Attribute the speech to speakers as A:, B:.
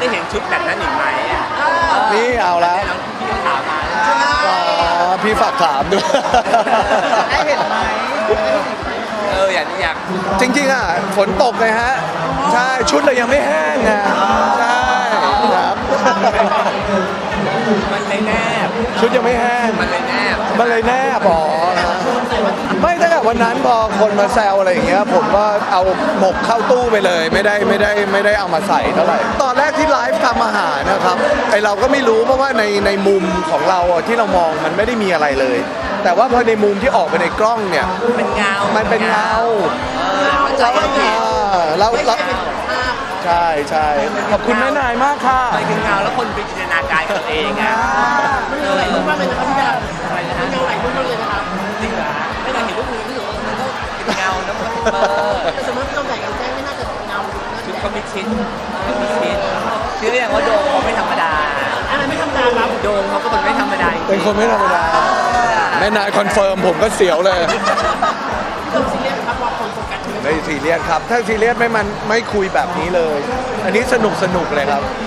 A: ได้เห็นชุดแบบนั้นอีกไหมอ่ะ
B: นี่เอาละ
A: น้องพี่ก็ถามมา
B: อ๋อพี่ฝากถามด้วย
C: ได้เห็นไหม
A: อยาก
B: จริงๆอ่ะฝนตกเลยฮะใช่ชุดเรายังไม่แห้งไงใช่ครับ
A: มันเลยแนบ
B: ชุดยังไม่แห้ง
A: มันเลยแนบ
B: มันเลยแน่บอไม่ตั้งแต่วันนั้นพอคนมาแซวอะไรอย่างเงี้ยผมก็เอาหมกเข้าตู้ไปเลย ไม่ได้เอามาใส่เท่าไหร่ตอนแรกที่ไลฟ์ทำอาหารนะครับไอเราก็ไม่รู้เพราะว่าในมุมของเราอะที่เรามองมันไม่ได้มีอะไรเลย แต่ว่าพอในมุมที่ออกไปในกล้องเนี่ย
A: เป็นเงา
B: มันเป็นเงา
A: เข้าใจผิด
B: เราใช่ใช่ขอบคุณแม่นายมากค่ะ
A: มันเป็นเงาแล้วคนไปจินตนาการกับตัวเองอ่ะ
C: มันเงาหลายรูปมากเลยนะครับพี่ดาว
A: อะไรนะ
C: มันเงาหลายรูปมากเลยนะครับ
A: จริงเหรอไม่ได้เห็นรูปมือรู้สึกว่ามันก็เป็นเงานะมันเบอร์
C: แต่สมมติเราใส่กางเกงไม่น่าจะเงา
A: ชุดเขามีชิดเชื่ออย่างว่าโดมเขาไม่ธรรมดา
C: อะไรไม่ธรรมดาครับ
A: โดมเขาก็เป็นไม่ธรรมดาจริงๆ
B: เป็นคนไม่ธรรมดาแม่นายคอนเฟิร์มผมก็เสียวเลย
C: พี่โดมซีเรียสครับว่าคนโฟกัสเยอะ
B: ไม่ซีเรียสครับ ถ้าซีเรียสไม่คุยแบบนี้เลย อันนี้สนุกเลยครับ